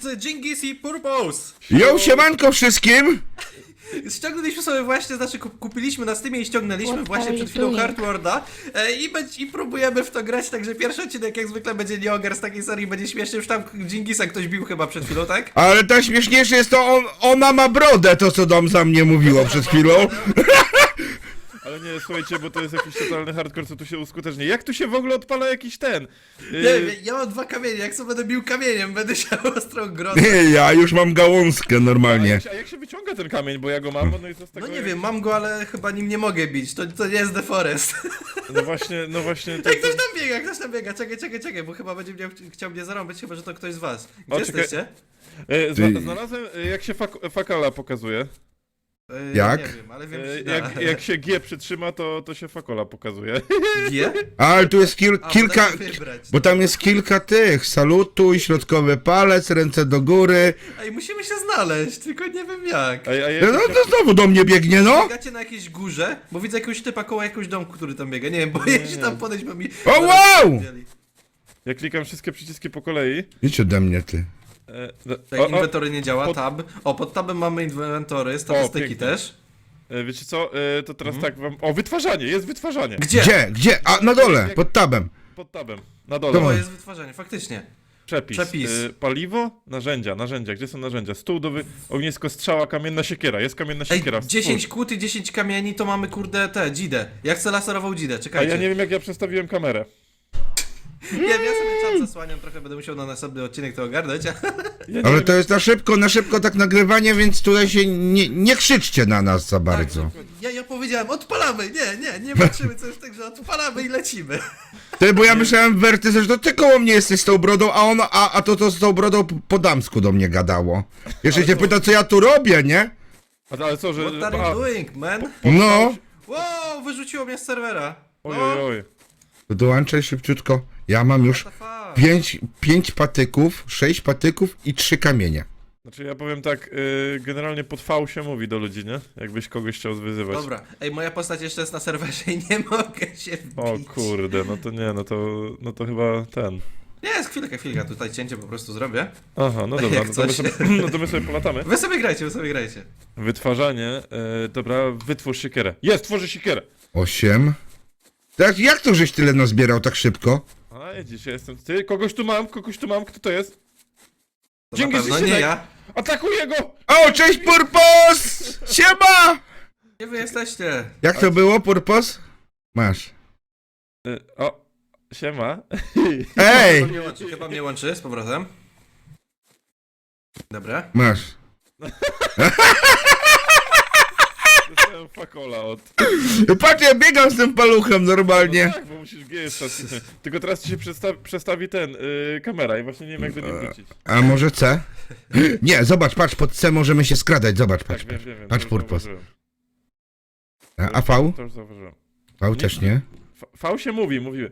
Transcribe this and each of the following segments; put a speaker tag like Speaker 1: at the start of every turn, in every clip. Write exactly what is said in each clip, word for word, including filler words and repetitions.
Speaker 1: drodzy, Dżingis i Purpose!
Speaker 2: Jo, siemanko wszystkim!
Speaker 1: Ściągnęliśmy sobie właśnie, znaczy kup- kupiliśmy na Steamie i ściągnęliśmy
Speaker 3: What
Speaker 1: właśnie
Speaker 3: are
Speaker 1: przed
Speaker 3: you
Speaker 1: chwilą
Speaker 3: doing?
Speaker 1: Hardwarda e, i, będzie- i próbujemy w to grać, także pierwszy odcinek jak zwykle będzie nie ogar z takiej serii, będzie śmieszny, już tam Dżingisa ktoś bił chyba przed chwilą, tak?
Speaker 2: Ale najśmieszniejsze jest to, on, ona ma brodę, to co dom za mnie mówiło przed chwilą.
Speaker 4: Ale nie, słuchajcie, bo to jest jakiś totalny hardcore, co tu się uskuteczni. Jak tu się w ogóle odpala jakiś ten? Yy,
Speaker 1: Nie wiem, ja mam dwa kamienie, jak sobie będę bił kamieniem, będę siał ostrą grodę.
Speaker 2: Nie, ja już mam gałązkę
Speaker 4: a,
Speaker 2: normalnie.
Speaker 4: jak się, a jak się wyciąga ten kamień, bo ja go mam, no i co z tego...
Speaker 1: No nie
Speaker 4: jak-
Speaker 1: wiem, mam go, ale chyba nim nie mogę bić, to, to nie jest The Forest.
Speaker 4: No właśnie, no właśnie... To,
Speaker 1: Ej, ktoś tam biega, ktoś tam biega, czekaj, czekaj, czekaj, bo chyba będzie mnie, chciał mnie zarąbać, chyba że to ktoś z was. Gdzie
Speaker 4: O, czekaj.
Speaker 1: jesteście?
Speaker 4: Yy, zna,
Speaker 2: Ty-
Speaker 4: znalazłem, yy, jak się fak, fakala pokazuje.
Speaker 1: E,
Speaker 2: Jak?
Speaker 1: Nie wiem, ale wiem, że
Speaker 4: Yy,
Speaker 1: się da.
Speaker 4: jak, jak się G przytrzyma, to, to się fakola pokazuje.
Speaker 1: G?
Speaker 2: Ale tu jest kil,
Speaker 1: A, bo
Speaker 2: kilka,
Speaker 1: da się wybrać.
Speaker 2: bo tam jest kilka tych. Salutuj, środkowy palec, ręce do góry.
Speaker 1: Ej, musimy się znaleźć, tylko nie wiem jak.
Speaker 4: A, a ja,
Speaker 2: No to znowu do mnie biegnie, no.
Speaker 1: Biegacie na jakiejś górze, bo widzę jakiegoś typa koło jakiegoś domku, który tam biega. Nie wiem, boję się tam podejść, bo mi...
Speaker 2: O, wow!
Speaker 4: ja klikam wszystkie przyciski po kolei.
Speaker 2: Idź ode mnie, ty.
Speaker 4: E, no,
Speaker 1: Tak,
Speaker 4: o, o,
Speaker 1: inwentory nie działa,
Speaker 4: pod-
Speaker 1: tab. O, pod tabem mamy inwentory, statystyki
Speaker 4: pięknie.
Speaker 1: też.
Speaker 4: e, wiecie co, e, to teraz tak wam... O, wytwarzanie, jest wytwarzanie.
Speaker 1: Gdzie?
Speaker 2: Gdzie? Gdzie? A, na dole, pod tabem.
Speaker 4: Pod tabem, na dole.
Speaker 2: Dobra.
Speaker 1: O, jest wytwarzanie, faktycznie.
Speaker 4: Przepis.
Speaker 1: Przepis.
Speaker 4: E, paliwo, narzędzia, narzędzia. Gdzie są narzędzia? Stół do wy... ognisko, strzała, kamienna siekiera. Jest kamienna
Speaker 1: Ej,
Speaker 4: siekiera.
Speaker 1: dziesięć
Speaker 4: Spójrz.
Speaker 1: kłód i dziesięć kamieni, to mamy kurde te, dzidę. Ja chcę laserową dzidę,
Speaker 4: A
Speaker 1: czekajcie.
Speaker 4: ja nie wiem jak ja przestawiłem kamerę.
Speaker 1: Nie wiem, ja sobie czat zasłaniam, trochę będę musiał na następny odcinek to ogarnąć.
Speaker 4: Ja nie
Speaker 2: Ale
Speaker 4: wiem,
Speaker 2: to jest na szybko, na szybko tak nagrywanie, więc tutaj się nie, nie krzyczcie na nas za bardzo.
Speaker 1: Ja, ja powiedziałem, odpalamy, nie, nie, nie patrzymy co jest tak, że odpalamy i lecimy.
Speaker 2: Ty, bo ja myślałem, Werty, że to ty koło mnie jesteś z tą brodą, a ono, a, a to to z tą brodą po- po damsku do mnie gadało. Jeszcze się pyta, co ja tu robię, nie?
Speaker 4: A, ale co, że...
Speaker 1: What are
Speaker 4: a,
Speaker 1: you doing, man?
Speaker 2: No.
Speaker 1: Wow, wyrzuciło mnie z serwera.
Speaker 4: oj,
Speaker 1: No,
Speaker 4: oj, oj.
Speaker 2: To dołączaj szybciutko. Ja mam już
Speaker 1: what the fuck?
Speaker 2: pięć, pięć patyków, sześć patyków i trzy kamienie.
Speaker 4: Znaczy ja powiem tak, y, generalnie pod V się mówi do ludzi, nie? Jakbyś kogoś chciał zwyzywać.
Speaker 1: Dobra, ej, moja postać jeszcze jest na serwerze i nie mogę się wbić.
Speaker 4: O kurde, no to nie, no to, no to chyba ten.
Speaker 1: Nie, jest chwilkę, chwilkę, tutaj cięcie po prostu zrobię.
Speaker 4: Aha, no dobra,
Speaker 1: Jak
Speaker 4: no to, my
Speaker 1: coś.
Speaker 4: sobie, no to my sobie polatamy.
Speaker 1: Wy sobie grajcie, wy sobie grajcie.
Speaker 4: Wytwarzanie, y, dobra, wytwórz siekierę. Jest, tworzy siekierę!
Speaker 2: Osiem. Tak, jak to żeś tyle nazbierał tak szybko?
Speaker 4: A, widzisz, ja jestem, ty, kogoś tu mam, kogoś tu mam, kto to jest?
Speaker 1: To
Speaker 4: Dzięki,
Speaker 1: na pewno nie
Speaker 4: Zyszynek.
Speaker 1: ja.
Speaker 4: Atakuję go!
Speaker 2: O, cześć Purpos! Siema!
Speaker 1: Gdzie wy jesteście?
Speaker 2: Jak to było, Purpos? Masz.
Speaker 4: Y, o, siema.
Speaker 2: Ej!
Speaker 1: Chyba mnie łączy, chyba mnie łączy z powrotem. Dobra.
Speaker 2: Masz.
Speaker 4: Dostałem fakola od...
Speaker 2: Patrz, ja biegam z tym paluchem
Speaker 4: No
Speaker 2: normalnie.
Speaker 4: tak, bo musisz G statycznie. Tylko teraz ci się przesta przestawi ten, y, kamera i właśnie nie wiem jak do niej wrócić.
Speaker 2: A może C? Nie, zobacz, patrz, pod C możemy się skradać, zobacz,
Speaker 4: Tak,
Speaker 2: patrz,
Speaker 4: wiem,
Speaker 2: patrz.
Speaker 4: wiem, wiem.
Speaker 2: Patrz,
Speaker 4: to już
Speaker 2: Purpos.
Speaker 4: zauważyłem.
Speaker 2: A a V?
Speaker 4: To już zauważyłem.
Speaker 2: V też nie.
Speaker 4: V, v się mówi, mówiły.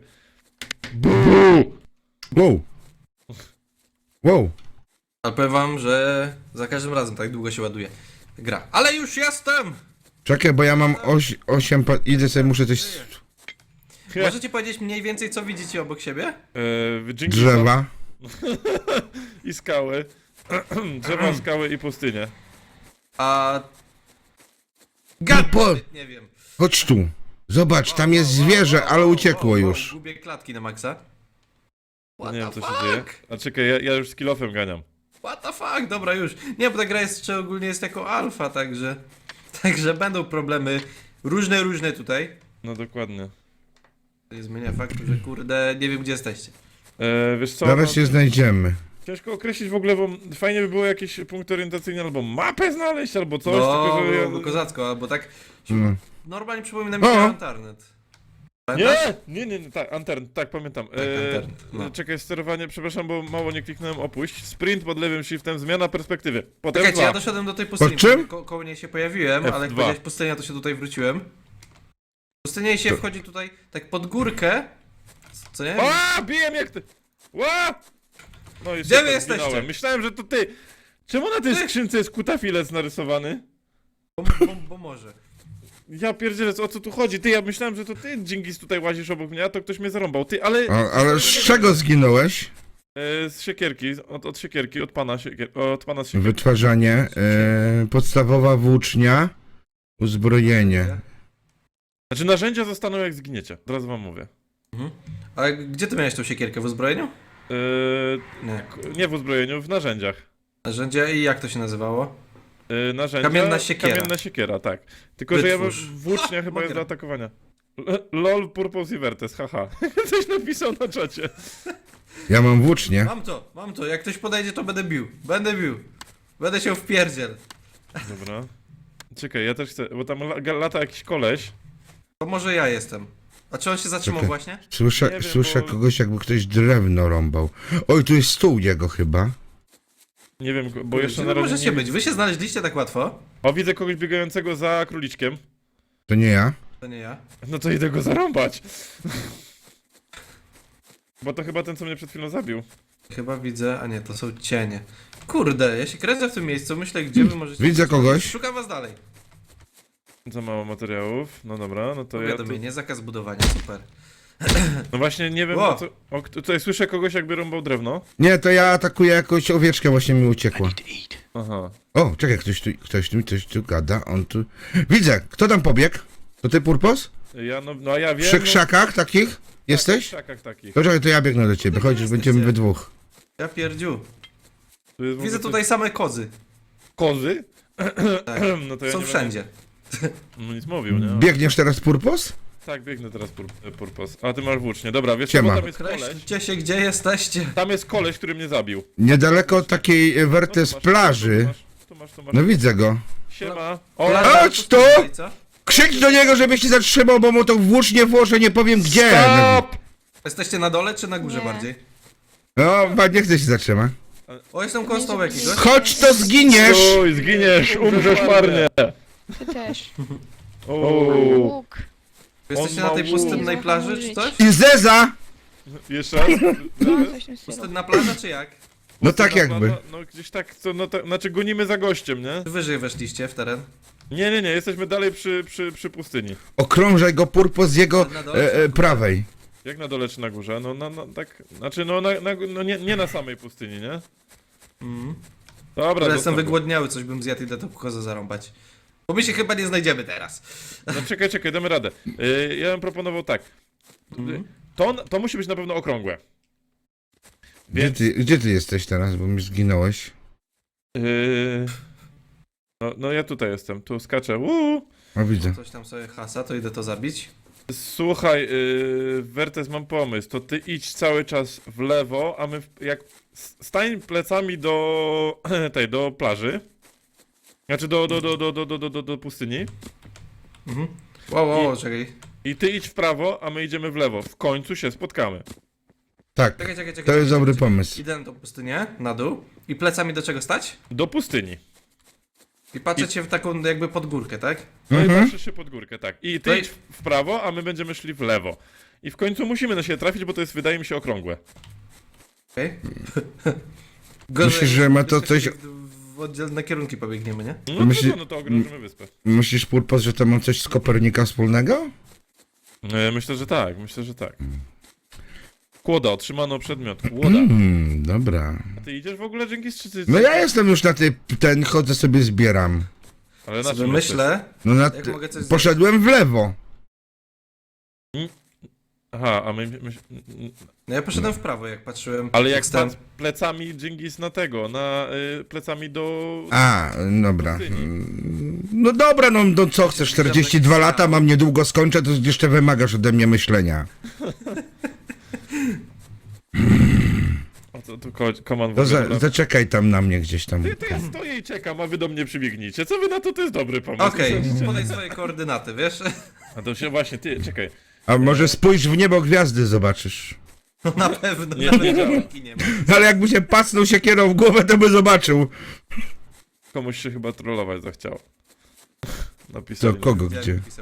Speaker 2: Wow. Wow.
Speaker 1: Ale powiem wam, że za każdym razem tak długo się ładuje gra. Ale już jestem!
Speaker 2: Czekaj, bo ja mam oś, osiem, pa- idę sobie, muszę coś...
Speaker 1: Możecie powiedzieć mniej więcej, co widzicie obok siebie?
Speaker 4: E, Dżingisa
Speaker 2: Drzewa.
Speaker 4: i skały. Drzewa, skały i pustynię.
Speaker 1: A... Gad,
Speaker 2: Po-
Speaker 1: nie wiem.
Speaker 2: Chodź tu. Zobacz, tam jest zwierzę, ale uciekło już.
Speaker 1: Gubię klatki na maksa. What
Speaker 4: nie
Speaker 1: the
Speaker 4: wiem co
Speaker 1: fuck?
Speaker 4: się dzieje. A czekaj, ja, ja już z kilofem ganiam.
Speaker 1: What the fuck? Dobra, już. Nie, bo ta gra jest jeszcze ogólnie jest jako alfa, także... Także będą problemy różne, różne tutaj.
Speaker 4: No dokładnie.
Speaker 1: To nie zmienia faktu, że kurde, nie wiem gdzie jesteście.
Speaker 4: E, wiesz co?
Speaker 2: Zaraz
Speaker 4: no,
Speaker 2: się znajdziemy.
Speaker 4: ciężko określić w ogóle, bo fajnie by było jakieś punkty orientacyjne, albo mapę znaleźć, albo coś,
Speaker 1: No,
Speaker 4: tylko że
Speaker 1: byłoby
Speaker 4: ja...
Speaker 1: kozacko, albo tak...
Speaker 2: No.
Speaker 1: Normalnie przypomina mi się
Speaker 2: O!
Speaker 1: internet. Pamiętasz?
Speaker 4: Nie, nie, nie, nie, tak, Antern, tak, pamiętam.
Speaker 1: Tak, Antern, no.
Speaker 4: Czekaj, sterowanie, przepraszam, bo mało nie kliknąłem, opuść. Sprint pod lewym shiftem, zmiana perspektywy. Potem
Speaker 1: Czekajcie,
Speaker 4: dwa.
Speaker 1: ja doszedłem do tej pustyni,
Speaker 2: Po czym?
Speaker 1: Ko koło niej się pojawiłem,
Speaker 4: F
Speaker 1: ale jak
Speaker 4: dwa.
Speaker 1: powiedziałeś pustynia, to się tutaj wróciłem. Pustynia się wchodzi tutaj tak pod górkę. Co nie?
Speaker 4: A, bijem jak ty! Ła! No i
Speaker 1: Gdzie
Speaker 4: super,
Speaker 1: wy jesteście?
Speaker 4: zginąłem. Myślałem, że to ty. Czemu na tej
Speaker 1: Ty?
Speaker 4: skrzynce jest kutafilec narysowany?
Speaker 1: Bo, bo, bo może.
Speaker 4: Ja pierdzielę, o co tu chodzi? Ty, ja myślałem, że to ty, Dżingis, tutaj łazisz obok mnie, a to ktoś mnie zarąbał. Ty, ale...
Speaker 2: A, ale z czego zginąłeś?
Speaker 4: E, z siekierki, od, od siekierki, od pana, siekier, od pana z siekierki.
Speaker 2: Wytwarzanie, e, podstawowa włócznia, uzbrojenie.
Speaker 4: Znaczy narzędzia zostaną jak zginiecie, od razu wam mówię.
Speaker 1: Mhm. A gdzie ty miałeś tą siekierkę? W uzbrojeniu?
Speaker 4: E,
Speaker 1: Nie.
Speaker 4: k- nie w uzbrojeniu, w narzędziach.
Speaker 1: Narzędzia i jak to się nazywało?
Speaker 4: E, narzędzia,
Speaker 1: Kamienna siekiera.
Speaker 4: Kamienna siekiera, tak. Tylko, że ja
Speaker 1: Wytwórz.
Speaker 4: bym- włócznia chyba
Speaker 1: mogę.
Speaker 4: jest do atakowania. L- LOL, Purpose i Vertes, haha. Coś napisał na czacie.
Speaker 2: Ja mam włócznię.
Speaker 1: Mam to, mam to. Jak ktoś podejdzie, to będę bił. Będę bił. Będę się wpierdziel.
Speaker 4: Dobra. Czekaj, ja też chcę, bo tam la- lata jakiś koleś.
Speaker 1: To może ja jestem. A czy on się zatrzymał
Speaker 2: Czekaj.
Speaker 1: właśnie?
Speaker 2: Słyszę,
Speaker 4: Nie wiem,
Speaker 2: słyszę
Speaker 4: bo-
Speaker 2: kogoś, jakby ktoś drewno rąbał. Oj, tu jest stół jego chyba.
Speaker 4: Nie wiem, bo jeszcze
Speaker 1: Gdzie
Speaker 4: na
Speaker 1: wy
Speaker 4: razie
Speaker 1: możecie
Speaker 4: nie...
Speaker 1: być? Wy się znaleźliście tak łatwo?
Speaker 4: O, widzę kogoś biegającego za króliczkiem.
Speaker 2: To nie ja.
Speaker 1: To nie ja.
Speaker 4: No to idę go zarąbać. Bo to chyba ten, co mnie przed chwilą zabił.
Speaker 1: Chyba widzę, a nie, to są cienie. Kurde, ja się kręcę w tym miejscu, myślę, gdzie wy możecie...
Speaker 2: Widzę kogoś.
Speaker 1: Szukam was dalej.
Speaker 4: Za mało materiałów. No dobra, no to ja... Tu...
Speaker 1: Powiadomienie, zakaz budowania, super.
Speaker 4: No właśnie, nie wiem,
Speaker 1: Wow.
Speaker 4: o co... O, kto- tutaj słyszę kogoś, jakby rąbał drewno.
Speaker 2: Nie, to ja atakuję jakąś owieczkę, właśnie mi uciekła.
Speaker 4: Aha.
Speaker 2: O, czekaj, ktoś tu, ktoś tu, ktoś tu gada, on tu... Widzę, kto tam pobiegł? To ty, Purpos?
Speaker 4: Ja, no, no a ja wiem...
Speaker 2: Przy
Speaker 4: no...
Speaker 2: krzakach takich?
Speaker 4: W
Speaker 2: Jesteś?
Speaker 4: krzakach takich.
Speaker 2: To czekaj, to ja biegnę do ciebie, chodź, już będziemy we dwóch.
Speaker 1: Ja pierdziu.
Speaker 4: Tu jest w ogóle
Speaker 1: Widzę
Speaker 4: coś-
Speaker 1: tutaj same kozy.
Speaker 4: Kozy?
Speaker 1: Tak.
Speaker 4: No to ja
Speaker 1: Są
Speaker 4: nie
Speaker 1: wszędzie.
Speaker 4: Będę... No nic mówił, nie?
Speaker 2: Biegniesz teraz, Purpos?
Speaker 4: Tak, biegnę teraz pur... Purpos. A ty masz włócznie. Dobra, wiesz co,
Speaker 2: Siema.
Speaker 4: bo tam jest koleś.
Speaker 1: Kreślcie się, gdzie jesteście.
Speaker 4: Tam jest koleś, który mnie zabił.
Speaker 2: Niedaleko od takiej e,
Speaker 4: No, tu
Speaker 2: Wertes
Speaker 4: masz,
Speaker 2: plaży.
Speaker 4: Tu masz, tu masz, tu masz.
Speaker 2: No widzę go.
Speaker 4: Siema. O,
Speaker 1: Plaża,
Speaker 2: Chodź
Speaker 1: to
Speaker 2: tu!
Speaker 1: tutaj, co?
Speaker 2: Krzycz do niego, żeby się zatrzymał, bo mu to włócznie włożę, nie powiem gdzie.
Speaker 4: Stop!
Speaker 1: Jesteście na dole czy na górze
Speaker 3: Nie.
Speaker 1: bardziej?
Speaker 2: No, pa, nie chcę się zatrzymać.
Speaker 1: O, jestem koło stołu jakiegoś.
Speaker 2: Chodź, to zginiesz!
Speaker 4: Stój, zginiesz, umrzesz marnie.
Speaker 3: Ty też.
Speaker 4: O,
Speaker 3: Łuk.
Speaker 1: Wy Jesteście
Speaker 4: On
Speaker 1: na tej
Speaker 4: ma
Speaker 1: pustynnej
Speaker 3: łuk.
Speaker 1: plaży czy coś?
Speaker 2: I Zeza!
Speaker 4: jeszcze raz?
Speaker 3: No, coś w tym stylu.
Speaker 1: Pustynna plaża czy jak?
Speaker 2: No tak jakby.
Speaker 4: No gdzieś tak, co, no tak, znaczy gonimy za gościem, nie?
Speaker 1: Czy wyżej weszliście w teren?
Speaker 4: Nie, nie, nie, jesteśmy dalej przy, przy, przy pustyni.
Speaker 2: Okrążaj go, Purpos, z jego
Speaker 1: Na dole
Speaker 2: e, e, prawej.
Speaker 4: Jak na dole czy na górze? No, no, no tak, znaczy no, na, na, no nie, nie na samej pustyni, nie?
Speaker 1: Mhm.
Speaker 4: Dobra,
Speaker 1: Ale jestem
Speaker 4: zostaw go.
Speaker 1: wygłodniały, coś bym zjadł i idę tą kozę zarąbać. Bo my się chyba nie znajdziemy teraz.
Speaker 4: No czekaj, czekaj, damy radę. Yy, ja bym proponował tak.
Speaker 1: Mhm.
Speaker 4: To, to musi być na pewno okrągłe.
Speaker 2: Gdzie
Speaker 4: Więc...
Speaker 2: ty, gdzie ty jesteś teraz, bo mi zginąłeś?
Speaker 4: Yy... No, no ja tutaj jestem, tu skaczę. Uuu.
Speaker 2: O, widzę.
Speaker 1: Coś tam sobie hasa, to idę to zabić.
Speaker 4: Słuchaj, yy, Wertes, mam pomysł. To ty idź cały czas w lewo, a my w, jak s- stań plecami do tej, do plaży. Znaczy do, do, do, do, do, do, do, do, do pustyni.
Speaker 1: Mhm. Wow, wow,
Speaker 4: I-
Speaker 1: wow, czekaj.
Speaker 4: I ty idź w prawo, a my idziemy w lewo. W końcu się spotkamy.
Speaker 2: Tak,
Speaker 1: Czekaj, czekaj, czekaj.
Speaker 2: to jest
Speaker 1: czekaj,
Speaker 2: dobry
Speaker 1: czekaj.
Speaker 2: pomysł.
Speaker 1: Idę na tą pustynię, na dół. I plecami do czego stać?
Speaker 4: Do pustyni.
Speaker 1: I patrzeć się w taką jakby pod górkę, tak?
Speaker 4: No i
Speaker 2: Mhm.
Speaker 4: patrzysz się pod górkę, tak. I ty
Speaker 1: No i-
Speaker 4: idź w prawo, a my będziemy szli w lewo. I w końcu musimy na siebie trafić, bo to jest, wydaje mi się, okrągłe.
Speaker 1: Okej.
Speaker 2: Myślisz, że ma to coś-
Speaker 1: W oddzielne kierunki pobiegniemy, nie?
Speaker 4: No
Speaker 2: Myśli-
Speaker 4: to, no to ogrożymy wyspę.
Speaker 2: Myślisz, Purpos, że to ma coś z Kopernika wspólnego?
Speaker 4: E, Myślę, że tak, myślę, że tak. Kłoda, otrzymano przedmiot. Kłoda.
Speaker 2: Hmm, dobra.
Speaker 4: A ty idziesz w ogóle dzięki czy ty...
Speaker 2: No ja jestem już na tej, ten, chodzę sobie zbieram.
Speaker 4: Ale na
Speaker 1: Sobie
Speaker 4: czym
Speaker 1: myślę,
Speaker 2: No na,
Speaker 1: jak mogę coś
Speaker 2: poszedłem w lewo.
Speaker 4: jesteś? Aha, a my... my
Speaker 1: No ja poszedłem w prawo, jak patrzyłem.
Speaker 4: ale jak
Speaker 1: stąd.
Speaker 4: pan plecami Dżingis na tego, na y, plecami do...
Speaker 2: A, dobra.
Speaker 4: pustyni.
Speaker 2: Mm, No dobra, no, no co chcesz, czterdzieści dwa lata, mam niedługo skończę, to jeszcze wymagasz ode mnie myślenia.
Speaker 4: O, to, to ko- koman w
Speaker 2: To
Speaker 4: ogóle,
Speaker 2: za,
Speaker 4: dobra.
Speaker 2: zaczekaj tam na mnie gdzieś tam.
Speaker 4: Ty, to ja stoję i czekam, a wy do mnie przybiegnijcie. Co wy na to? To jest dobry pomysł.
Speaker 1: Okej,
Speaker 4: Sądzicie?
Speaker 1: podaj swoje koordynaty, wiesz?
Speaker 4: A to się właśnie, ty, czekaj.
Speaker 2: A może spójrz w niebo, gwiazdy zobaczysz.
Speaker 1: No na pewno,
Speaker 4: Nie,
Speaker 1: nawet
Speaker 4: nie działa.
Speaker 1: logiki nie ma.
Speaker 2: Ale jakby się pasnął siekierą w głowę, to by zobaczył.
Speaker 4: Komuś się chyba trollować zachciało.
Speaker 2: Co,
Speaker 4: Napisali.
Speaker 2: kogo,
Speaker 1: Widziałem,
Speaker 2: gdzie?
Speaker 1: jak pisał.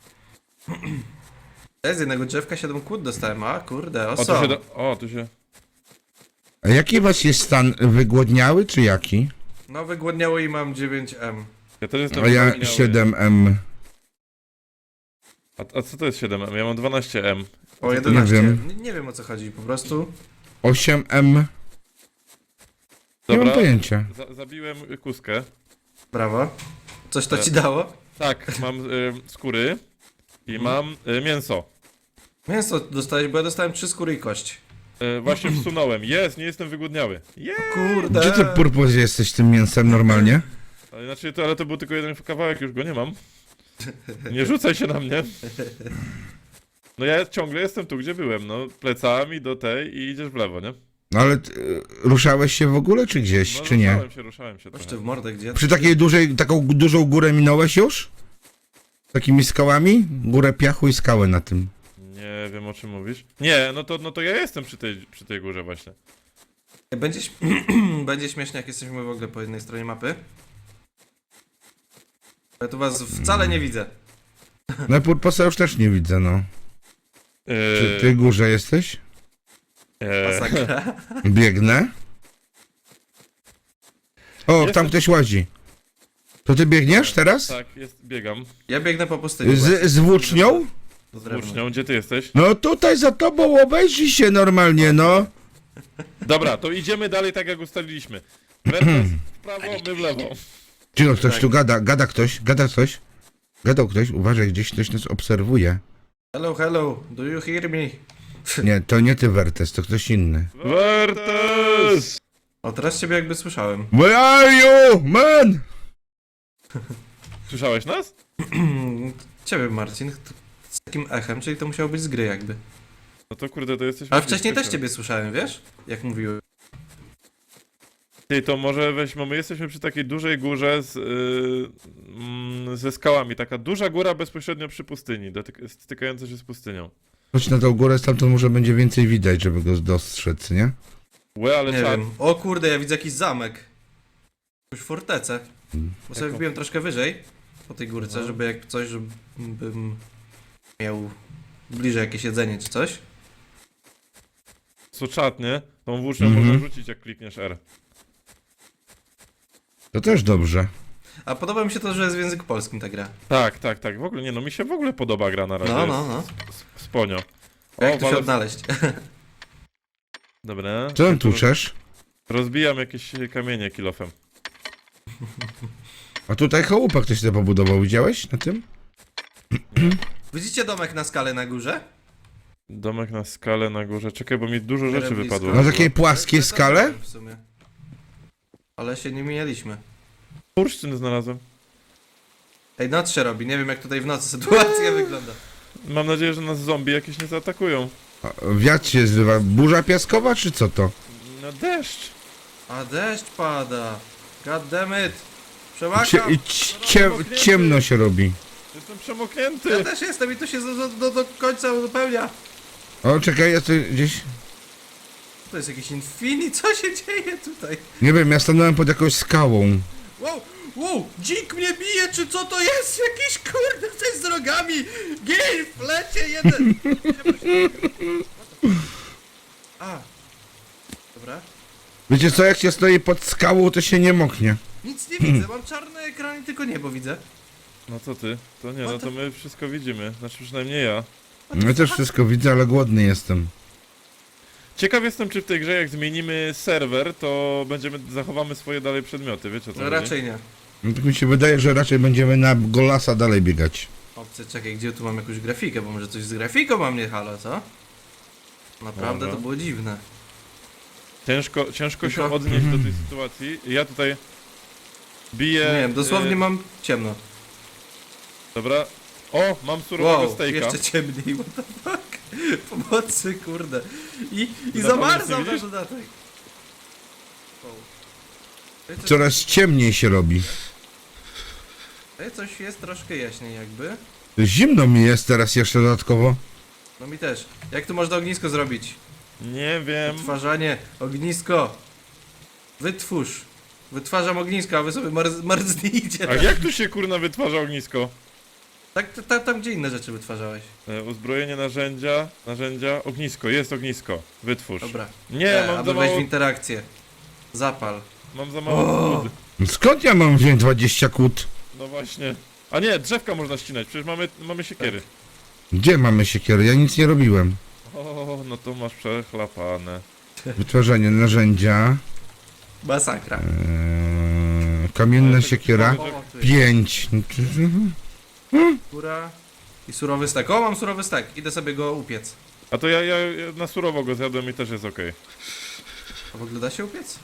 Speaker 1: Ja z jednego drzewka siedem kłód dostałem, a kurde, o
Speaker 4: O, tu
Speaker 1: są.
Speaker 4: się do... O, tu się...
Speaker 2: A jaki was jest stan wygłodniały, czy jaki?
Speaker 1: No wygłodniało i mam dziewięć M.
Speaker 4: Ja też jestem
Speaker 2: A ja
Speaker 4: wypełniały.
Speaker 2: siedem M.
Speaker 4: A, a co to jest siedem M? Ja mam dwanaście M.
Speaker 1: O jedenaście.
Speaker 2: wiem.
Speaker 1: Nie, nie wiem o co chodzi, po prostu.
Speaker 2: osiem M. Nie mam
Speaker 4: Dobra,
Speaker 2: pojęcia.
Speaker 4: za zabiłem kuskę.
Speaker 1: Brawo. Coś to
Speaker 4: E.
Speaker 1: ci dało?
Speaker 4: Tak, mam y, skóry i mam y, mięso.
Speaker 1: Mięso dostałeś, bo ja dostałem trzy skóry i kość.
Speaker 4: Y, właśnie wsunąłem. Jest, nie jestem wygłodniały. Jest!
Speaker 1: Kurde.
Speaker 2: Gdzie ty, Purpos, jesteś tym mięsem normalnie?
Speaker 4: Ale znaczy, to, ale to był tylko jeden kawałek, już go nie mam. Nie rzucaj się na mnie. No ja ciągle jestem tu, gdzie byłem, no. Plecami do tej i idziesz w lewo, nie?
Speaker 2: No ale ty, y, ruszałeś się w ogóle, czy gdzieś,
Speaker 4: No
Speaker 2: czy nie?
Speaker 4: ruszałem się, ruszałem się
Speaker 1: Chodź
Speaker 4: trochę.
Speaker 1: ty w mordę, gdzie?
Speaker 2: Przy takiej dużej, taką dużą górę minąłeś już? Takimi skałami? Górę piachu i skałę na tym.
Speaker 4: Nie wiem, o czym mówisz. Nie, no to, no to ja jestem przy tej, przy tej górze właśnie.
Speaker 1: Będzie, ś- Będzie śmiesznie, jak jesteśmy w ogóle po jednej stronie mapy. Ja tu was wcale nie widzę.
Speaker 2: No Purposa już też nie widzę, no. Czy
Speaker 4: Yy,
Speaker 2: ty górze jesteś?
Speaker 4: e,
Speaker 1: Masakra.
Speaker 2: Biegnę. O,
Speaker 4: Jestem.
Speaker 2: tam ktoś łazi. To ty biegniesz teraz?
Speaker 4: tak, jest, biegam.
Speaker 1: Ja biegnę po pustyni. właśnie.
Speaker 2: Z, z włócznią?
Speaker 1: Z
Speaker 4: Z
Speaker 1: drewnem.
Speaker 4: włócznią, gdzie ty jesteś?
Speaker 2: No tutaj za tobą obejrzyj się normalnie, no.
Speaker 4: Dobra, to idziemy dalej tak jak ustaliliśmy. Wertes w prawo, my w lewo.
Speaker 2: Cicho, ktoś
Speaker 1: Tak.
Speaker 2: tu gada, gada ktoś, gada ktoś. Gadał ktoś, uważaj, gdzieś ktoś nas obserwuje.
Speaker 1: Hello, hello, do you hear me?
Speaker 2: Nie, to nie ty, Wertes, to ktoś inny.
Speaker 4: Wertes!
Speaker 1: O, teraz ciebie jakby słyszałem.
Speaker 2: Where are you, man?
Speaker 4: Słyszałeś nas?
Speaker 1: Ciebie, Marcin, t- z takim echem, czyli to musiało być z gry jakby.
Speaker 4: No to kurde, to jesteśmy...
Speaker 1: Ale wcześniej też
Speaker 4: blisko.
Speaker 1: ciebie słyszałem, wiesz? Jak mówiłem.
Speaker 4: Ty, to może weźmy, my jesteśmy przy takiej dużej górze z, yy, mm, ze skałami. Taka duża góra bezpośrednio przy pustyni, dotyk- stykająca się z pustynią.
Speaker 2: Chodź na tą górę, stamtąd może będzie więcej widać, żeby go dostrzec, nie?
Speaker 4: Łe, ale
Speaker 1: Nie
Speaker 4: czad.
Speaker 1: wiem. O kurde, ja widzę jakiś zamek. Jakąś fortecę. Bo sobie
Speaker 4: Jaką?
Speaker 1: wbiłem troszkę wyżej po tej górce,
Speaker 4: No.
Speaker 1: żeby jak coś, żebym miał bliżej jakieś jedzenie czy coś.
Speaker 4: Co czad, nie? Tą włócznią
Speaker 2: Mhm.
Speaker 4: można rzucić, jak klikniesz R.
Speaker 2: To też dobrze.
Speaker 1: A podoba mi się to, że jest w języku polskim ta gra.
Speaker 4: Tak, tak, tak. W ogóle nie, no mi się w ogóle podoba gra na razie.
Speaker 1: No, no, no.
Speaker 4: S- Sponio.
Speaker 1: A jak tu się
Speaker 4: walę-
Speaker 1: odnaleźć?
Speaker 4: Dobra.
Speaker 2: Co tam
Speaker 4: Ja tu roz-
Speaker 2: tuczesz?
Speaker 4: Rozbijam jakieś kamienie kilofem.
Speaker 2: A tutaj chałupa ktoś sobie pobudował, widziałeś na tym?
Speaker 1: Widzicie domek na skale na górze?
Speaker 4: Domek na skalę na górze. Czekaj, bo mi dużo
Speaker 1: Miarę
Speaker 4: rzeczy
Speaker 1: blisko.
Speaker 4: wypadło.
Speaker 2: Na takiej płaskiej
Speaker 1: To- to
Speaker 2: skale?
Speaker 1: wiem w sumie. Ale się nie mijaliśmy.
Speaker 4: Bursztyn znalazłem.
Speaker 1: Ej, noc się robi, nie wiem jak tutaj w nocy sytuacja wygląda.
Speaker 4: Mam nadzieję, że nas zombie jakieś nie zaatakują.
Speaker 2: A, wiatr się zrywa. Burza piaskowa, czy co to?
Speaker 4: No deszcz.
Speaker 1: A deszcz pada. God damn it.
Speaker 2: Cie,
Speaker 1: Przełakam.
Speaker 2: i ci- cie, ciemno się robi.
Speaker 4: Jestem przemoknięty.
Speaker 1: Ja też jestem i tu się do, do, do końca uzupełnia.
Speaker 2: O, czekaj, ja tu gdzieś...
Speaker 1: To jest jakiś infini, co się dzieje tutaj?
Speaker 2: Nie wiem, ja stanąłem pod jakąś skałą.
Speaker 1: Wow, wow, dzik mnie bije, czy co to jest? Jakiś kurde coś z rogami. Gej, w lecie jeden. A. Dobra.
Speaker 2: Wiecie co, jak się stoi pod skałą, to się nie moknie.
Speaker 1: Nic nie widzę, mam czarny ekran i tylko niebo widzę.
Speaker 4: No co ty? To nie, no
Speaker 1: What
Speaker 4: to my wszystko widzimy. Znaczy przynajmniej ja.
Speaker 2: Ja też wszystko widzę, ale głodny jestem.
Speaker 4: Ciekaw jestem, czy w tej grze jak zmienimy serwer, to będziemy, zachowamy swoje dalej przedmioty, wiecie o co
Speaker 1: No
Speaker 4: chodzi?
Speaker 1: raczej nie.
Speaker 2: No tak mi się wydaje, że raczej będziemy na Golasa dalej biegać.
Speaker 1: Obcy, czekaj, gdzie tu mam jakąś grafikę, bo może coś z grafiką mam nie halo, co? Naprawdę
Speaker 4: Dobra.
Speaker 1: to było dziwne.
Speaker 4: Ciężko, ciężko się
Speaker 1: Tylko-
Speaker 4: odnieść do tej sytuacji. Ja tutaj biję...
Speaker 1: Nie wiem, dosłownie
Speaker 4: y,
Speaker 1: mam ciemno.
Speaker 4: Dobra. O, mam surowego
Speaker 1: Wow,
Speaker 4: stejka.
Speaker 1: jeszcze ciemniej, what the fuck? Pomocy, kurde. I, i
Speaker 4: Ty na
Speaker 1: zamarzam
Speaker 4: pewno nic
Speaker 1: na
Speaker 4: nie
Speaker 1: dodatek. Wow. Ej, coś-
Speaker 2: Coraz ciemniej się robi.
Speaker 1: Ej, coś jest troszkę jaśniej jakby.
Speaker 2: Zimno mi jest teraz jeszcze dodatkowo.
Speaker 1: No mi też. Jak tu można ognisko zrobić?
Speaker 4: Nie wiem.
Speaker 1: Wytwarzanie, ognisko. Wytwórz. Wytwarzam ognisko, a wy sobie marz, marznijcie.
Speaker 4: A jak tu się kurna wytwarza ognisko?
Speaker 1: Tak, ta- ta- tam gdzie inne rzeczy wytwarzałeś.
Speaker 4: E, uzbrojenie, narzędzia, narzędzia, ognisko, jest ognisko. Wytwórz.
Speaker 1: Dobra.
Speaker 4: Nie,
Speaker 1: E,
Speaker 4: mam za
Speaker 1: aby wejść
Speaker 4: mało,
Speaker 1: w interakcję. Zapal.
Speaker 4: mam za mało
Speaker 1: O!
Speaker 4: wody.
Speaker 2: Skąd ja mam wziąć dwadzieścia kłód?
Speaker 4: No właśnie. A nie, drzewka można ścinać, przecież mamy, mamy siekiery.
Speaker 2: Gdzie mamy siekiery? Ja nic nie robiłem.
Speaker 4: O, no to masz przechlapane.
Speaker 2: Wytwarzanie narzędzia.
Speaker 1: Masakra.
Speaker 2: Eee, kamienna siekiera.
Speaker 1: O, tu jest
Speaker 2: Pięć.
Speaker 1: skóra i surowy stek. O, mam surowy stek. Idę sobie go upiec.
Speaker 4: A to ja, ja, ja na surowo go zjadłem i też jest okej.
Speaker 1: A w ogóle da się upiec?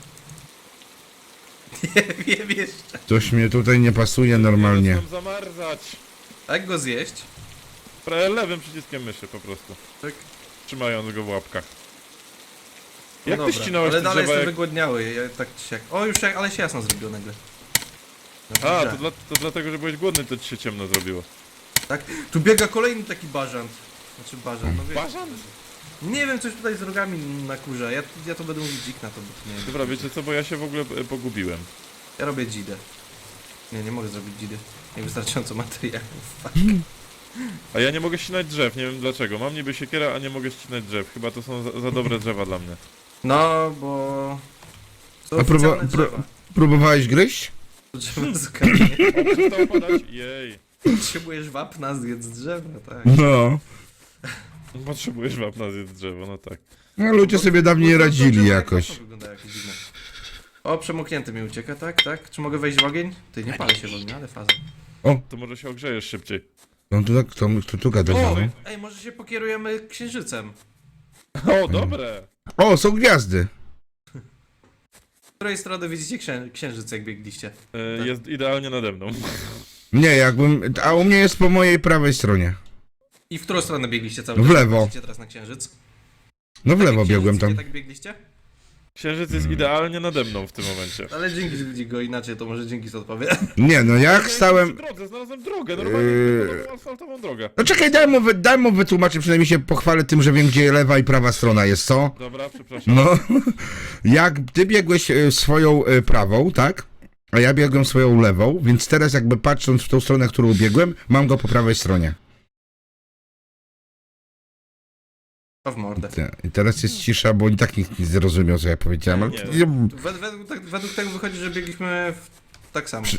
Speaker 1: Nie wiem jeszcze.
Speaker 2: Coś mnie tutaj nie pasuje normalnie.
Speaker 4: Chcę zamarzać.
Speaker 1: A jak go zjeść?
Speaker 4: Pre- Lewym przyciskiem myszy po prostu.
Speaker 1: Tak.
Speaker 4: Trzymając go w łapkach.
Speaker 1: No
Speaker 4: Jak
Speaker 1: dobra,
Speaker 4: ty ścinałeś
Speaker 1: ale
Speaker 4: te
Speaker 1: dalej
Speaker 4: drzewa?
Speaker 1: jestem
Speaker 4: Jak...
Speaker 1: wygłodniały. Ja tak czy siak. O, już jak, ale się jasno zrobiło nagle. No,
Speaker 4: A,
Speaker 1: dobrze.
Speaker 4: to, dla, to dlatego, że byłeś głodny, to ci się ciemno zrobiło.
Speaker 1: Tak? Tu biega kolejny taki bażant. Znaczy bażant, no wiesz.
Speaker 4: Bażant?
Speaker 1: Nie wiem, coś tutaj z rogami na kurze. Ja, ja to będę mówić dzik na to, bo to nie wiem.
Speaker 4: Dobra, wiecie co, bo ja się w ogóle e, pogubiłem.
Speaker 1: Ja robię dzidę. Nie, nie mogę zrobić dzidy. Niewystarczająco materiałów. Fuck.
Speaker 4: A ja nie mogę ścinać drzew, nie wiem dlaczego. Mam niby siekierę, a nie mogę ścinać drzew. Chyba to są za, za dobre drzewa dla mnie.
Speaker 1: No, bo... To
Speaker 2: A próba,
Speaker 1: oficjalne
Speaker 2: pró
Speaker 1: drzewa.
Speaker 2: próbowałeś gryźć?
Speaker 1: Drzewa z kamienia.
Speaker 4: Przestało padać? Jej.
Speaker 1: Potrzebujesz wapna, zjedz drzewa, tak.
Speaker 2: No.
Speaker 4: Potrzebujesz wapna zjedz drzewo, no tak.
Speaker 2: No ludzie sobie dawniej
Speaker 1: Bo to- to
Speaker 2: radzili
Speaker 1: drzewo
Speaker 2: jakoś.
Speaker 1: jak wygląda jakieś dziwne. O, przemoknięty mi ucieka, tak, tak. Czy mogę wejść w ogień? Ty, nie palę się w ogniu, ale faza.
Speaker 4: To może się ogrzejesz szybciej.
Speaker 2: No tu, tu, tu, tu gada.
Speaker 1: O!
Speaker 2: no.
Speaker 1: Ej, może się pokierujemy księżycem.
Speaker 4: O, dobre!
Speaker 2: O, są gwiazdy.
Speaker 1: Z której strony widzicie księ księżyc, jak biegliście?
Speaker 4: E, jest idealnie nade mną.
Speaker 2: Nie, jakbym... A u mnie jest po mojej prawej stronie.
Speaker 1: I w którą stronę biegliście cały
Speaker 2: W
Speaker 1: czas?
Speaker 2: lewo.
Speaker 1: Patrzycie teraz na księżyc?
Speaker 2: No w
Speaker 1: Tak
Speaker 2: lewo
Speaker 1: jak
Speaker 2: biegłem
Speaker 1: księżyc,
Speaker 2: tam.
Speaker 1: nie tak biegliście?
Speaker 4: Księżyc jest idealnie nade mną w tym momencie.
Speaker 1: Ale dzięki, że widzi go inaczej, to może dzięki co odpowie.
Speaker 2: Nie, no jak
Speaker 4: Ja
Speaker 2: stałem...
Speaker 4: przy drodze, znalazłem drogę, normalnie
Speaker 2: Yy.
Speaker 4: yy... asfaltową drogę.
Speaker 2: No czekaj, daj mu, wy- daj mu wytłumaczyć, przynajmniej się pochwalę tym, że wiem, gdzie lewa i prawa strona jest, co?
Speaker 4: Dobra, przepraszam.
Speaker 2: No, jak ty biegłeś e, swoją e, prawą, tak? A ja biegłem swoją lewą, więc teraz jakby patrząc w tą stronę, którą biegłem, mam go po prawej stronie.
Speaker 1: To w mordę.
Speaker 2: Te- I teraz jest cisza, bo i tak nikt nie zrozumiał, co ja powiedziałem, ale...
Speaker 4: Nie.
Speaker 1: Wed według, tak, według tego wychodzi, że biegliśmy w... tak samo.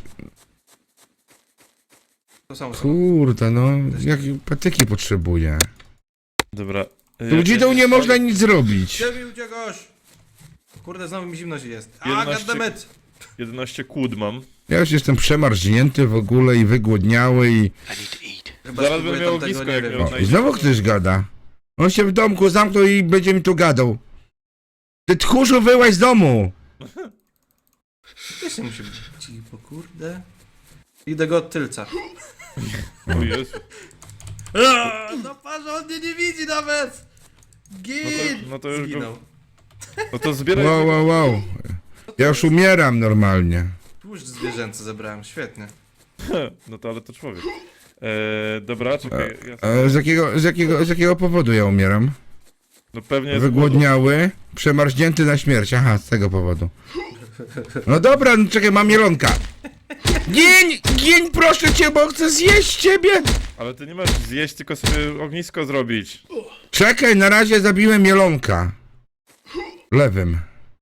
Speaker 1: To samo. samo.
Speaker 2: Kurde, no, jakie patyki potrzebuję.
Speaker 4: Dobra.
Speaker 2: Tu dzidą nie można nic zrobić.
Speaker 1: Gdzie mi uciekasz? Kurde, znowu mi zimno się jest. A,
Speaker 4: jedenaście
Speaker 1: goddammit!
Speaker 4: jedenaście kłód mam.
Speaker 2: Ja już jestem przemarznięty w ogóle i wygłodniały i...
Speaker 1: Chyba
Speaker 4: Zaraz
Speaker 1: spróbuję
Speaker 4: bym miał
Speaker 1: tamtego,
Speaker 4: ognisko,
Speaker 1: nie
Speaker 4: jak
Speaker 1: wiem.
Speaker 4: miał
Speaker 2: O, i znowu ktoś gada. On się w domku zamknął i będzie mi tu gadał. Ty tchórzu, wyłaź z domu!
Speaker 1: Też nie musi być cicho, kurde. Idę go od tylca.
Speaker 4: O Jezu.
Speaker 1: Aaaa, no parze, on mnie nie widzi nawet! Gin!
Speaker 4: No to- no to już go-
Speaker 1: Zginął.
Speaker 4: No to zbieraj...
Speaker 2: Wow, wow, wow. Ja już umieram normalnie.
Speaker 1: Tłuszcz zwierzęcy zebrałem, świetnie.
Speaker 4: No to ale to człowiek. Eee, dobra, czekaj. Ja
Speaker 2: A z, jakiego, z, jakiego, z jakiego powodu ja umieram?
Speaker 4: No pewnie jest
Speaker 2: Wygłodniały, przemarznięty na śmierć. Aha, z tego powodu. No dobra, no czekaj, mam mielonka. Gień, gień, proszę cię, bo chcę zjeść ciebie.
Speaker 4: Ale ty nie masz zjeść, tylko sobie ognisko zrobić.
Speaker 2: Czekaj, na razie zabiłem mielonka. Lewym.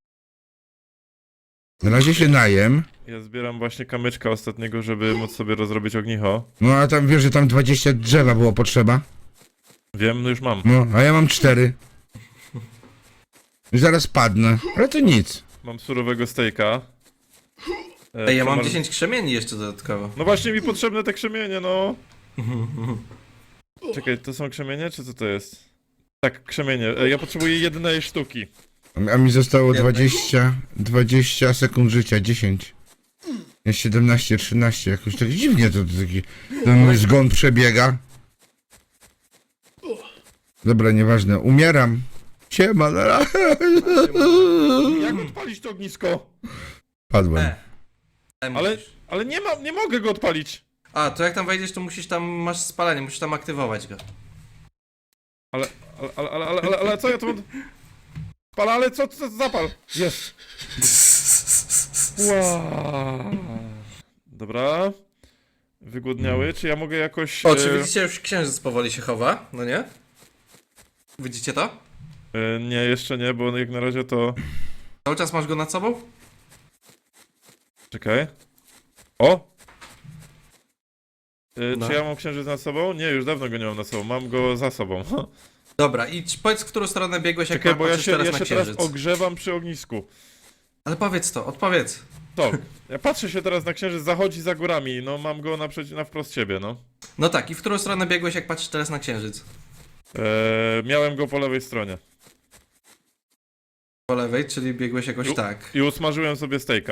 Speaker 2: Na razie się najem.
Speaker 4: Ja zbieram właśnie kamyczka ostatniego, żeby móc sobie rozrobić ognicho.
Speaker 2: No a tam wiesz, że tam dwadzieścia drzewa było potrzeba.
Speaker 4: Wiem, no już mam.
Speaker 2: No, a ja mam cztery. I zaraz padnę, ale to nic.
Speaker 4: Mam surowego stejka. E,
Speaker 1: Ej, ja mam
Speaker 4: przemar-
Speaker 1: dziesięć krzemieni jeszcze dodatkowo.
Speaker 4: No właśnie mi potrzebne te krzemienie, no. Czekaj, to są krzemienie, czy co to jest? Tak, krzemienie. E, ja potrzebuję jednej sztuki.
Speaker 2: A mi zostało
Speaker 1: Jednej.
Speaker 2: dwadzieścia, dwadzieścia sekund życia, dziesięć. Jest siedemnaście, trzynaście, jakoś tak dziwnie to, to taki ten mój zgon przebiega. Dobra, nieważne, umieram. Siema, na razie.
Speaker 4: Jak odpalić to ognisko?
Speaker 2: Padłem.
Speaker 1: E. E,
Speaker 4: Ale,
Speaker 1: musisz.
Speaker 4: ale nie ma, nie mogę go odpalić.
Speaker 1: A, to jak tam wejdziesz, to musisz tam, masz spalanie, musisz tam aktywować go.
Speaker 4: Ale, ale, ale, ale, ale, ale, ale co ja tu mam? Pal, ale co, co, zapal. Jest. Wow. Dobra. Wygłodniały, czy ja mogę jakoś...
Speaker 1: O, czy
Speaker 4: e,
Speaker 1: widzicie, już księżyc powoli się chowa, no nie? Widzicie to?
Speaker 4: e, nie, jeszcze nie, bo jak na razie to...
Speaker 1: Cały czas masz go nad sobą?
Speaker 4: Czekaj. O! E,
Speaker 1: No.
Speaker 4: Czy ja mam księżyc nad sobą? Nie, już dawno go nie mam nad sobą, mam go za sobą.
Speaker 1: Dobra, i czy- powiedz, w którą stronę biegłeś, jak
Speaker 4: Czekaj, bo ja
Speaker 1: patrzysz
Speaker 4: się,
Speaker 1: teraz
Speaker 4: ja
Speaker 1: na
Speaker 4: się teraz
Speaker 1: księżyc.
Speaker 4: ogrzewam przy ognisku.
Speaker 1: Ale powiedz to, odpowiedz.
Speaker 4: To, ja patrzę się teraz na księżyc, zachodzi za górami, no mam go naprzeciw, na wprost siebie, no.
Speaker 1: No tak, i w którą stronę biegłeś, jak patrzysz teraz na księżyc?
Speaker 4: Eee, miałem go po lewej stronie.
Speaker 1: Po lewej, czyli biegłeś jakoś
Speaker 4: Ju-
Speaker 1: tak.
Speaker 4: I usmażyłem sobie stejka.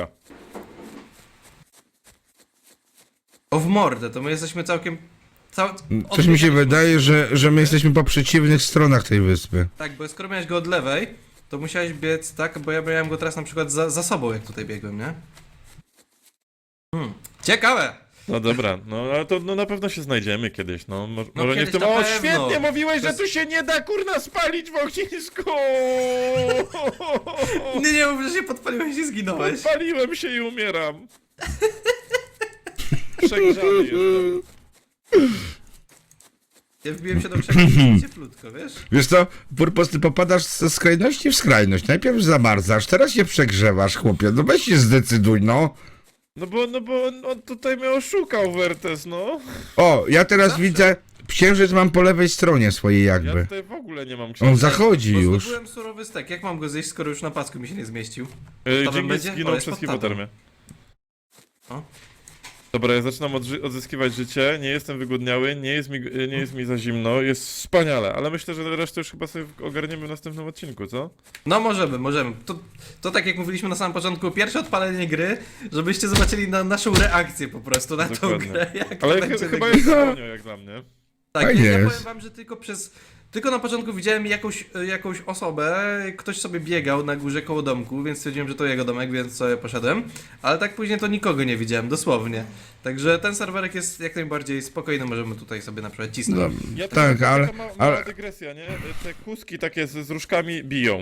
Speaker 1: O w mordę, to my jesteśmy całkiem... Cał...
Speaker 2: Coś mi się
Speaker 1: odbiegaliśmy-
Speaker 2: wydaje, że, że my jesteśmy po przeciwnych stronach tej wyspy.
Speaker 1: Tak, bo skoro miałeś go od lewej, to musiałeś biec tak, bo ja miałem go teraz na przykład za, za sobą, jak tutaj biegłem, nie? Hmm. Ciekawe!
Speaker 4: No dobra, no ale to no, na pewno się znajdziemy kiedyś, no. Mo-
Speaker 1: No
Speaker 4: może nie w
Speaker 1: kiedyś
Speaker 4: tym...
Speaker 1: na
Speaker 4: O,
Speaker 1: pewno.
Speaker 4: świetnie mówiłeś,
Speaker 1: To
Speaker 4: że
Speaker 1: jest-
Speaker 4: tu się nie da kurna spalić w ognisku!
Speaker 1: Nie, nie mów, że się podpaliłeś i zginąłeś.
Speaker 4: Podpaliłem się i umieram. Przegrzany jestem.
Speaker 1: Ja wbiłem się do krzaku cieplutko, wiesz?
Speaker 2: Wiesz co, Purpos, ty popadasz ze skrajności w skrajność. Najpierw zamarzasz, teraz się przegrzewasz, chłopie. No weź się zdecyduj, no.
Speaker 4: No bo, no bo on, on tutaj mnie oszukał, Wertes, no.
Speaker 2: O, ja teraz
Speaker 1: Zawsze.
Speaker 2: widzę, księżyc mam po lewej stronie swojej
Speaker 4: Ja
Speaker 2: jakby.
Speaker 4: tutaj w ogóle nie mam
Speaker 2: On
Speaker 4: księżyca.
Speaker 2: zachodzi
Speaker 1: Bo
Speaker 2: już.
Speaker 1: zdobyłem surowy stek, jak mam go zjeść, skoro już na pasku mi się nie zmieścił?
Speaker 4: Yy,
Speaker 1: Tobą
Speaker 4: Dżingis
Speaker 1: będzie? O,
Speaker 4: zginął
Speaker 1: jest
Speaker 4: przez
Speaker 1: pod tabą.
Speaker 4: hipotermię.
Speaker 1: O.
Speaker 4: Dobra, ja zaczynam odży- odzyskiwać życie, nie jestem wygłodniały, nie jest, mi, nie jest mi za zimno, jest wspaniale, ale myślę, że resztę już chyba sobie ogarniemy w następnym odcinku, co?
Speaker 1: No możemy, możemy. To, to tak jak mówiliśmy na samym początku, pierwsze odpalenie gry, żebyście zobaczyli na naszą reakcję po prostu na tą
Speaker 4: Dokładnie.
Speaker 1: grę. Jak
Speaker 4: Ale
Speaker 1: to
Speaker 4: ch-
Speaker 1: będzie
Speaker 4: chyba
Speaker 1: wyglądało.
Speaker 4: jest konio jak dla mnie.
Speaker 1: Tak,
Speaker 2: Fajnie
Speaker 1: ja, ja
Speaker 2: jest.
Speaker 1: powiem wam, że tylko przez... Tylko na początku widziałem jakąś, jakąś osobę, ktoś sobie biegał na górze koło domku, więc stwierdziłem, że to jego domek, więc sobie poszedłem. Ale tak później to nikogo nie widziałem, dosłownie. Także ten serwerek jest jak najbardziej spokojny, możemy tutaj sobie na przykład cisnąć.
Speaker 2: No,
Speaker 4: Ja
Speaker 2: tak,
Speaker 4: taka
Speaker 2: ale,
Speaker 4: ma, mała
Speaker 2: ale
Speaker 4: dygresja, nie? Te kuski takie z, z różkami biją.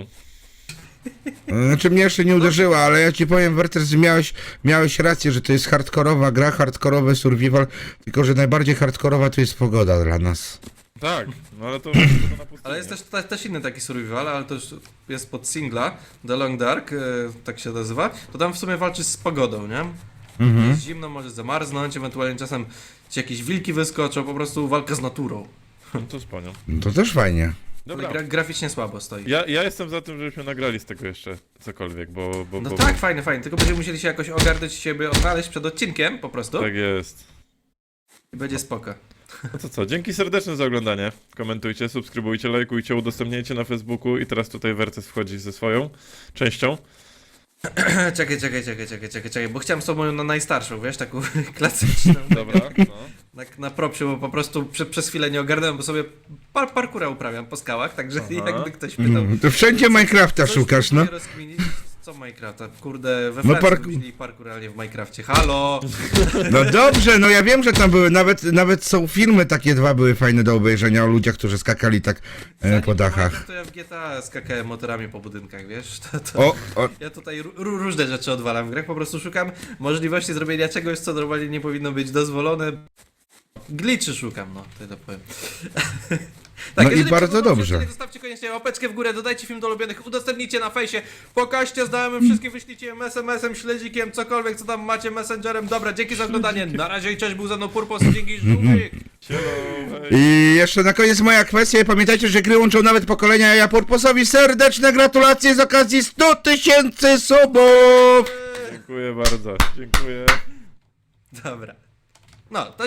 Speaker 2: Znaczy mnie jeszcze nie uderzyła, ale ja ci powiem, Werters, miałeś, miałeś rację, że to jest hardkorowa gra, hardkorowy survival, tylko że najbardziej hardkorowa to jest pogoda dla nas.
Speaker 4: Tak, no ale to, to na pustyni.
Speaker 1: Ale jest też, te, też inny taki survival, ale to już jest pod singla, The Long Dark, e, tak się nazywa. To tam w sumie walczysz z pogodą, nie?
Speaker 2: Mhm.
Speaker 1: Jest zimno, może zamarznąć, ewentualnie czasem ci jakieś wilki wyskoczą, po prostu walka z naturą.
Speaker 4: No to spanią.
Speaker 2: No to też fajnie.
Speaker 1: Ale
Speaker 4: Dobra,
Speaker 1: gra, graficznie słabo stoi.
Speaker 4: ja, ja jestem za tym, żebyśmy nagrali z tego jeszcze cokolwiek, bo... bo,
Speaker 1: No
Speaker 4: bo
Speaker 1: tak, fajnie, fajnie, tylko będziemy musieli się jakoś ogarnąć i siebie odnaleźć przed odcinkiem po prostu
Speaker 4: Tak jest.
Speaker 1: i będzie spoko.
Speaker 4: No to co, dzięki serdeczne za oglądanie. Komentujcie, subskrybujcie, lajkujcie, udostępniajcie na Facebooku i teraz tutaj Wertes wchodzi ze swoją częścią.
Speaker 1: czekaj, czekaj, czekaj, czekaj, czekaj, czekaj, bo chciałem z tobą na najstarszą, wiesz, taką klasyczną.
Speaker 4: Dobra, no.
Speaker 1: Na, na propsie, bo po prostu prze, przez chwilę nie ogarnąłem, bo sobie par, parkura uprawiam po skałach, także
Speaker 4: Aha.
Speaker 1: jakby ktoś pytał...
Speaker 2: Mm, to wszędzie Minecrafta
Speaker 1: coś
Speaker 2: szukasz, no.
Speaker 1: próbuję rozkminić. Co Minecrafta? Kurde, we
Speaker 2: No
Speaker 1: Francji
Speaker 2: park-
Speaker 1: wymyślili parkour, ale nie w Minecrafcie. Halo!
Speaker 2: No dobrze, no ja wiem, że tam były, nawet, nawet są filmy takie dwa były fajne do obejrzenia o ludziach, którzy skakali tak e, po dachach.
Speaker 1: Minecraft, to ja w G T A skakałem motorami po budynkach, wiesz? To, to...
Speaker 2: O, o,
Speaker 1: Ja tutaj ró- różne rzeczy odwalam w grach, po prostu szukam możliwości zrobienia czegoś, co normalnie nie powinno być dozwolone. Glitchy szukam, no, tyle powiem. Tak,
Speaker 2: No i
Speaker 1: jeżeli
Speaker 2: bardzo
Speaker 1: podobał się
Speaker 2: dobrze.
Speaker 1: odcinek, zostawcie koniecznie łapeczkę w górę, dodajcie film do ulubionych, udostępnijcie na fejsie, pokażcie znajomym, wszystkim wyślijcie es em esem, śledzikiem, cokolwiek, co tam macie, messengerem. Dobra, dzięki za oglądanie, na razie i cześć, był ze mną Purpos, dzięki, żółwik.
Speaker 4: Sielo, hej.
Speaker 2: I jeszcze na koniec moja kwestia. Pamiętajcie, że gry łączą nawet pokolenia. Ja Purposowi serdeczne gratulacje z okazji stu tysięcy subów!
Speaker 4: Dziękuję bardzo, dziękuję.
Speaker 1: Dobra, no, to